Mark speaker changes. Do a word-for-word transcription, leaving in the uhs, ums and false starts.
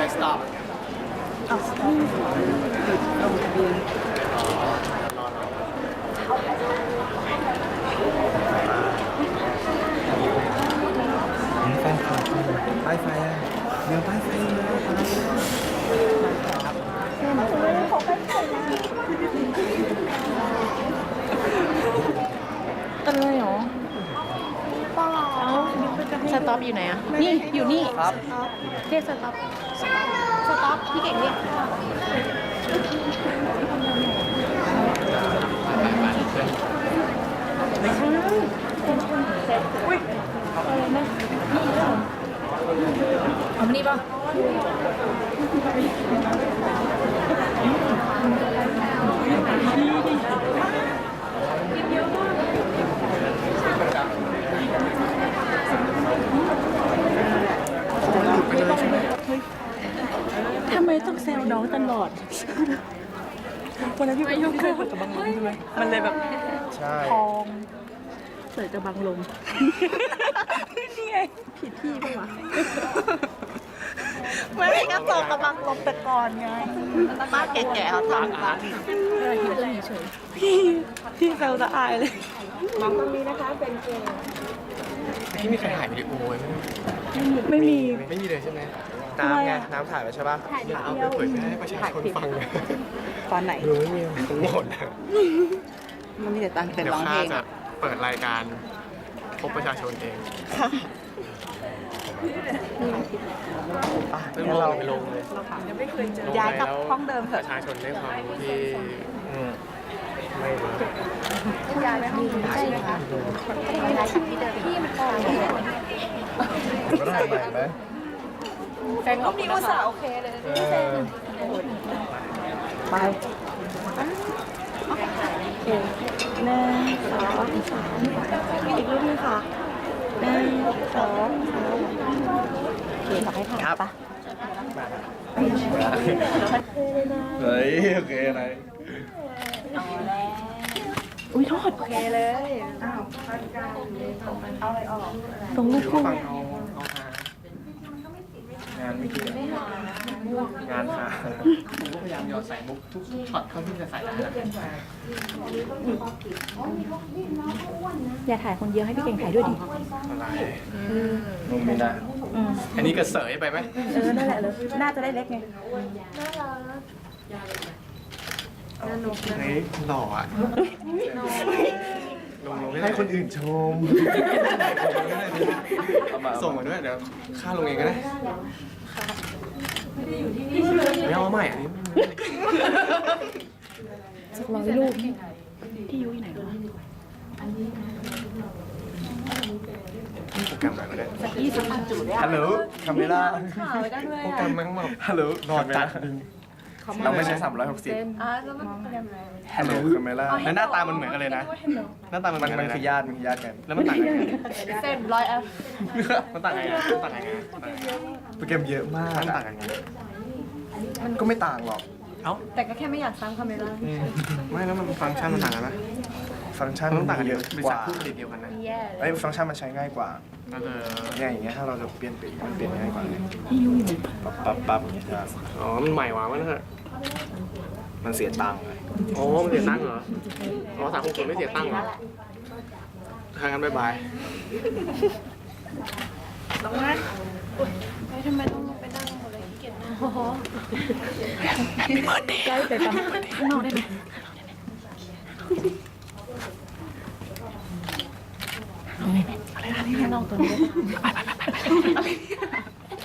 Speaker 1: stop
Speaker 2: อ้าวลงทะเบียนแฟนคลับป้ายไฟอ่ะเดี๋ยวป้ายไฟเลยป้าย
Speaker 3: อะไรหรอเปล่าสต็อปอยู่ไหนอ่ะนี่อยู่นี่
Speaker 1: ครับ
Speaker 3: เรียกสต็อปสต็อปพี่เก่งเรียกอุ้ยอะไรนะเอามานี่ป่ะทำไมต้องแซวน้องตลอดวันนั้นพี่ไปยุ่งกับบังลมใช่ไหมมันเลยแบบ
Speaker 1: ใช่
Speaker 3: ทองเสยจะบังลมนี่ไงผิดที่ปะวะไม่ได้กระโปรงกระบังลมแต่ก่อนไงป้าแก่ๆเขาทำกันเออหิวจะเฉยพี่พี่แซวจะอายเลยมองตรงนี้นะคะเป็นเกย์
Speaker 1: พี่มีใครถ่ายวิดีโอไว้ไหม
Speaker 3: ไม่มี
Speaker 1: ไม่มีเลยใช่ไหมน้ำไงน้ำถ่ายไปใช่ป่ะอย่าเอาไปเผยแพร่ให้ประชาชนฟังเลย
Speaker 2: ตอนไหน
Speaker 1: ดูไม่มีทั้งหมดเลย
Speaker 2: มันมีแต่ตังค์แต่
Speaker 1: เดี๋ย
Speaker 2: ร้อ
Speaker 1: ว
Speaker 2: ง
Speaker 1: ข้า
Speaker 2: เพลง
Speaker 1: จะเปิดรายการพบประชาชนเองอ่ะเรื่องเราไปลงเลย
Speaker 2: ย้ายกลับห้องเดิมเถ
Speaker 1: ป
Speaker 2: อะ
Speaker 1: ระชาชนได้ความรู้ที่ไม่รู้
Speaker 3: ย้ายไปห้องอื่นใช่ไหมคะย้ายจากที่เดิมพี่มันออก
Speaker 1: ก็ได้ใหม่ไหม
Speaker 3: แฟนของพี่อุตส่าห์โอเคเลย
Speaker 2: ไปหนึ่งสองสามอีกรูปนึงค่ะหนึ่งสองสามโอเคขอให้ถ่ายปะ
Speaker 1: เฮ้ยโอเคอะไร
Speaker 2: อุ้ยโทษโอเคเลยตรงลูกคู่
Speaker 1: ฟังเอาเอาหางานไม่เกี่ยวงานหาผมก็พยายามหยอดใส่มุกทุกช็อตเท่าที่จะใส่ได้
Speaker 2: อย่าถ่ายคนเดียวให้พี่เก่งถ่ายด้วยดิ
Speaker 1: อะไรมุมนี้นะอันนี้กระเสยไปไหม
Speaker 2: เออนั่นแหละเลยน่าจะได้เล็กไง
Speaker 1: เฮ้ยหล่ออ่ะลงลงให้คนอื่นชมส่งมาด้วยเดี๋ยวค่าลงเองก็ได้ไม่เอาใหม่อันนี้
Speaker 2: สักร้อยรูปที่ยุ้ยไหนวะ
Speaker 1: โปรแกรมไหนก็ได้
Speaker 2: ยี่สิบพันจุด
Speaker 1: ฮัลโหลคาเมล่าโปรแกรมมันแบบฮัลโหลรอจัดเราไม่ใช้สามร้อยหกสิบ
Speaker 3: อ่าแล้วมันเป็นยังไง
Speaker 1: ฮัลโหลคาเมล่าแล้วหน้าตามันเหมือนกันเลยนะหน้าตามันมันคือญาติมันคือญาติกันแล้วมันต่างกัน
Speaker 3: เส้นร้อยแอป
Speaker 1: มันต่างไงมันต่างไงโปรแกรมเยอะมากมันต่างกันไงมันก็ไม่ต่างหรอกเอ้า
Speaker 3: แต่ก็แค่ไม่อยากซ้ำคาเมล่า
Speaker 1: ไม่แล้วมันฟังก์ชันมันต่างกันไหมฟังก์ชันมันต้องต่างกันเยอะกว่าผู้ผลิตเดียวกันนะ
Speaker 3: แย่
Speaker 1: ไอ้ฟังก์ชันมันใช้ง่ายกว่าเนี่ยอย่างเงี้ยถ้าเราจะเปลี่ยนปีมันเปลี่ยนง่ายกว่าเลยปั๊บปั๊บปั๊บอย่างเงี้ยอ๋อมันใหม่หวามันเถอะมันเสียตังค์เลยอ๋อมันเสียตังค์เหรออ๋อสามหกศูนย์ไม่เสียตังค์เหรอทางกันบ๊ายบาย
Speaker 3: ต้องนะไปทำไมต้องลงไปนั่งหมดเลยขี้เกียจนั่งโอ้โหใกล้ไปปั๊มข้างนอกได้ไหมเอาไงอะไรนะข้างนอกตัวนี้ไปไปไปไป